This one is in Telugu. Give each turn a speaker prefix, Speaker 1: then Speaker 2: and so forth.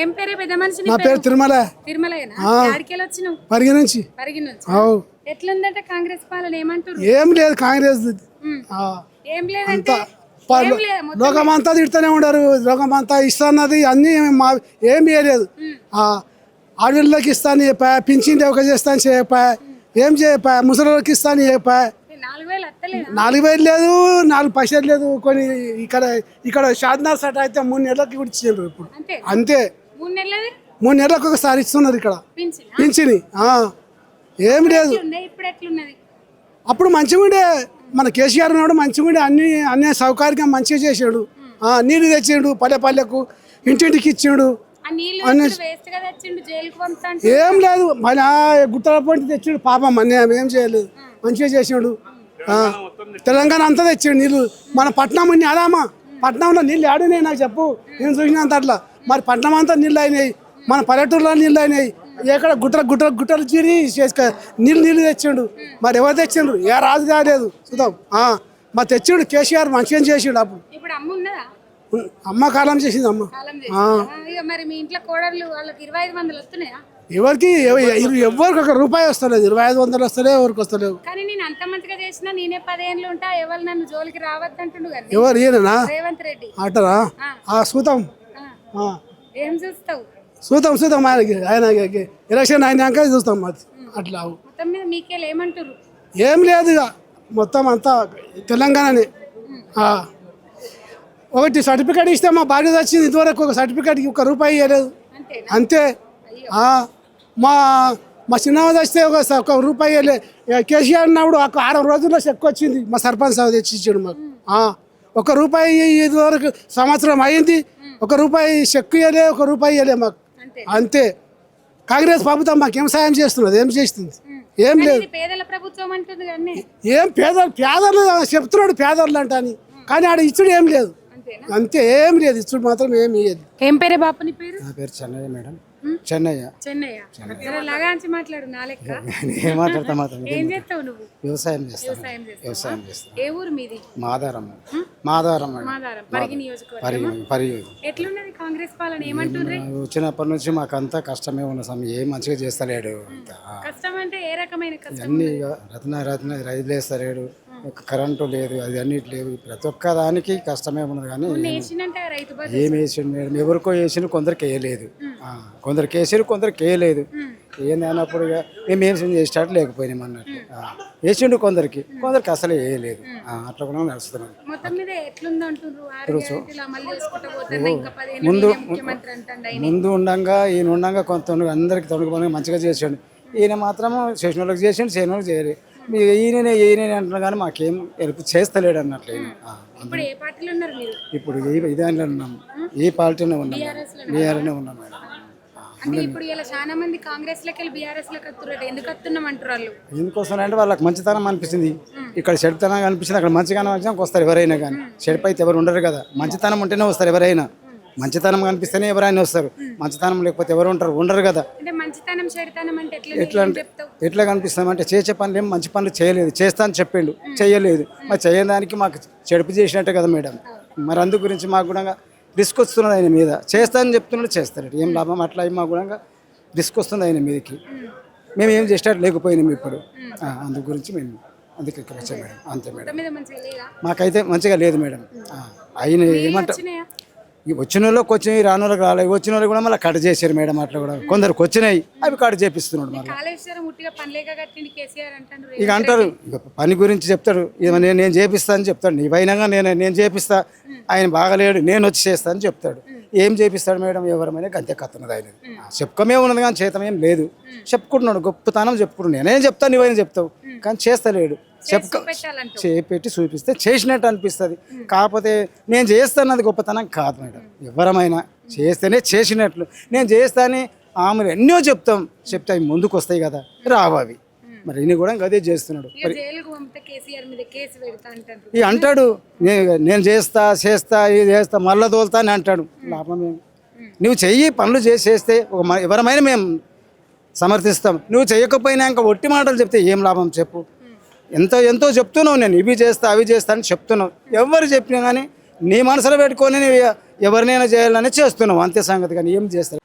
Speaker 1: ఏం పేరే పెద్ద మనిషి నీ
Speaker 2: నా పేరు తిరుమల.
Speaker 1: తిరుమలయేనా? యాడికెళ్ళి వచ్చినావు?
Speaker 2: పరిగి నుంచి.
Speaker 1: పరిగి నుంచి.
Speaker 2: అవు.
Speaker 1: ఎట్లుందంటే కాంగ్రెస్ పాలన ఏమంటారు?
Speaker 2: ఏం లేదు కాంగ్రెస్.
Speaker 1: ఏం లేదంటే
Speaker 2: లోకమంతా తిడుతూనే ఉండరు. లోకమంతా ఇస్తాన్నది అన్ని ఏం చేయలేదు. ఆడవాళ్ళకి ఇస్తాను చెప్పా, పింఛన్ ఒక చేస్తాను చెప్పా, ఏం చెప్పా, ముసలికి ఇస్తాను చెప్పా. 4,000 లేదు, 4 పైసలు లేదు. కొన్ని ఇక్కడ షాద్నార్ సట అయితే 3 నెలలకి కూడా ఇచ్చారు ఇప్పుడు. అంతే 3 నెలలకు ఒకసారి ఇస్తున్నారు ఇక్కడ పింఛని. ఏం లేదు. అప్పుడు మంచిగా ఉండే, మన కేసీఆర్ ఉన్నాడు మంచిగా ఉండే, అన్ని సౌకర్యంగా మంచిగా చేసాడు. నీళ్ళు తెచ్చిండు పల్లెకు, ఇంటింటికి ఇచ్చిండు. ఏం లేదు, మన గుట్టల పొంటి తెచ్చిండు పాపం. ఏం చేయలేదు, మంచిగా చేసాడు. తెలంగాణ అంతా తెచ్చాడు నీళ్ళు. మన పట్నం అదామా, పట్నంలో నీళ్ళు ఆడినాయి నాకు చెప్పు, నేను చూసినంత అట్లా. మరి పట్నం అంతా నీళ్ళు అయినాయి, మన పల్లెటూరులో నీళ్ళు అయినాయి. ఎక్కడ గుట్టలు చీరి నీళ్ళు తెచ్చిండు. మరి ఎవరు తెచ్చిండ్రు? ఏ రాజు కాలేదు చూద్దాం. మరి తెచ్చిండు కేసీఆర్, మంచిగా చేసిండు. అప్పుడు అమ్మ కాలం చేసింది అమ్మ. ఎవరికి ఎవరికి ₹1 వస్తలేదు, 2500 వస్తలే, ఎవరికి వస్తలేవు. ఎవరు ఈయననా అంటారా? చూద్దాం చూద్దాం ఆయన ఎలక్షన్ అయినాక చూస్తాం. అట్లా ఏం లేదు, ఇక మొత్తం అంతా తెలంగాణనే. ఒకటి సర్టిఫికేట్ ఇస్తే మా బాధ్యత వచ్చింది. ఇంతవరకు ఒక సర్టిఫికేట్కి ₹1 ఇవ్వలేదు. అంతే. మా చిన్నమ్మ వస్తే ఒక ₹1 ఇవ్వలేదు. కేసీఆర్ అన్నప్పుడు ఒక 6 రోజుల్లో చెక్ వచ్చింది. మా సర్పంచ్ సార్ తెచ్చి ఇచ్చాడు మాకు. ₹1 ఇదివరకు సంవత్సరం అయింది, ₹1 చెక్ ఇవ్వలే, ₹1 ఇవ్వలే మాకు. అంతే. కాంగ్రెస్ ప్రభుత్వం మాకేం సాయం చేస్తున్నది? ఏం చేస్తుంది? ఏం లేదు. ఏం పేదలు చెప్తున్నాడు పేదలు అంట అని, కానీ ఆడ ఇచ్చుడు ఏం లేదు. అంతే, ఏం లేదు, ఇచ్చుడు మాత్రం ఏం లేదు.
Speaker 1: ఏం పేరే బాపు నీ పేరు?
Speaker 3: నా పేరు చెన్నయ్య మేడం. చెన్నయ్య.
Speaker 1: ఏం చేస్తావు నువ్వు?
Speaker 3: వ్యవసాయం చేస్తాను.
Speaker 1: ఏ ఊరు మీది?
Speaker 3: మాదారం.
Speaker 1: ఎట్లున్నది కాంగ్రెస్ పాలన? ఏమంటుండ్రు?
Speaker 3: వచ్చినప్పటి నుంచి మాకు అంతా కష్టమే ఉన్న సమయం, ఏం మంచిగా చేస్తలేడు.
Speaker 1: కష్టం అంటే ఏ రకమైన కష్టం?
Speaker 3: అన్ని రత్న రైతులు వేస్తలేడు, కరెంటు లేదు, అది అన్నిటి లేవు. ప్రతి ఒక్క దానికి కష్టమే ఉన్నది. కానీ ఏం వేసిండు మేడం? ఎవరికో వేసిండు, కొందరికి వేయలేదు. కొందరికి వేసారు, కొందరికి వేయలేదు. ఏంది అన్నప్పుడు ఇక మేము ఏం చేసేటట్టు లేకపోయినాం అన్నట్టు. వేసిండు కొందరికి అసలు వేయలేదు. అట్లా కూడా నడుస్తున్నాం. ముందు ఉండంగా ఈయన ఉండంగా కొంత అందరికి తొలగిపోయి మంచిగా చేసాడు. ఈయన మాత్రము చేసిన వాళ్ళకి చేసిండు, చేయని వాళ్ళకి చేయలేదు. ఈయననే అంటున్నా కానీ మాకేం హెల్ప్ చేస్తలేడు అన్నట్లు. ఇప్పుడు ఇదే ఉన్నాం, ఈ పార్టీనే ఉన్నాం, బీఆర్ఎస్నే ఉన్నాం మేడం. ఎందుకోసం అంటే వాళ్ళకి మంచితనం అనిపిస్తుంది, ఇక్కడ చెడుతనం అనిపిస్తుంది. అక్కడ మంచిగానే వస్తారు ఎవరైనా, కానీ చెడుపు అయితే ఎవరు ఉండరు కదా. మంచితనం ఉంటేనే వస్తారు ఎవరైనా. మంచితనం కనిపిస్తేనే ఎవరైనా వస్తారు, మంచితనం లేకపోతే ఎవరు ఉండరు కదా. ఎట్లా కనిపిస్తామంటే చేసే పనులు ఏం మంచి పనులు చేయలేదు, చేస్తా అని చెప్పిండు, చేయలేదు. మరి చేయడానికి మాకు చెడుపు చేసినట్టే కదా మేడం. మరి అందు గురించి మాకు కూడా రిస్క్ వస్తున్నది ఆయన మీద. చేస్తా అని చెప్తున్నాడు, చేస్తాడు, ఏం లాభం? అట్లా మాకు కూడా రిస్క్ వస్తుంది ఆయన మీదకి. మేము ఏం చేసేటట్టు లేకపోయినాం ఇప్పుడు. అందు గురించి మేము అందుకే ఇక్కడ వచ్చాం మేడం. అంతే మేడం, మాకైతే మంచిగా లేదు మేడం. ఆయన ఏమంటారు, వచ్చిన వాళ్ళకి వచ్చినాయి, రాని వాళ్ళకి రాలేదు. వచ్చిన వాళ్ళు కూడా మళ్ళీ కట్ చేశారు మేడం. అట్లా కూడా కొందరికి వచ్చినాయి, అవి కట్ చేపిస్తున్నాడు. మళ్ళీ ఇక అంటారు, ఇక పని గురించి చెప్తాడు, నేను చేపిస్తా అని చెప్తాడు. నీవైనాగా నేను చేపిస్తా, ఆయన బాగలేడు, నేను వచ్చి చేస్తా అని చెప్తాడు. ఏం చేపిస్తాడు మేడం? ఎవరమైనా గంతే కత్తున్నది ఆయన. చెప్పుకమే ఉన్నది కానీ చేతమేం లేదు. చెప్పుకుంటున్నాడు, గొప్పతనం చెప్పుకుంటున్నాడు. నేనేం చెప్తాను, నువ్వైనా చెప్తావు, కానీ చేస్తలేడు. చేపెట్టి చూపిస్తే చేసినట్టు అనిపిస్తుంది. కాకపోతే నేను చేస్తానది గొప్పతనం కాదు మేడం. ఎవరమైనా చేస్తేనే చేసినట్లు. నేను చేస్తానని ఆమె ఎన్నో చెప్తే అవి ముందుకు వస్తాయి కదా, రావు అవి. మరి ఈయన కూడా అదే చేస్తున్నాడు. ఇక అంటాడు, నేను చేస్తా ఇది చేస్తా, మళ్ళా తోలుతా అని అంటాడు. లాభం ఏమి? నువ్వు చెయ్యి, పనులు చేస్తే ఎవరమైనా మేము సమర్థిస్తాం. నువ్వు చేయకపోయినా ఇంకా ఒట్టి మాటలు చెప్తే ఏం లాభం చెప్పు? ఎంతో చెప్తున్నావు, నేను ఇవి చేస్తా అవి చేస్తా అని చెప్తున్నావు. ఎవరు చెప్పినా కానీ నీ మనసులో పెట్టుకొని ఎవరినైనా చేయాలని చేస్తున్నావు, అంతే సంగతి. కానీ ఏం చేస్తావు?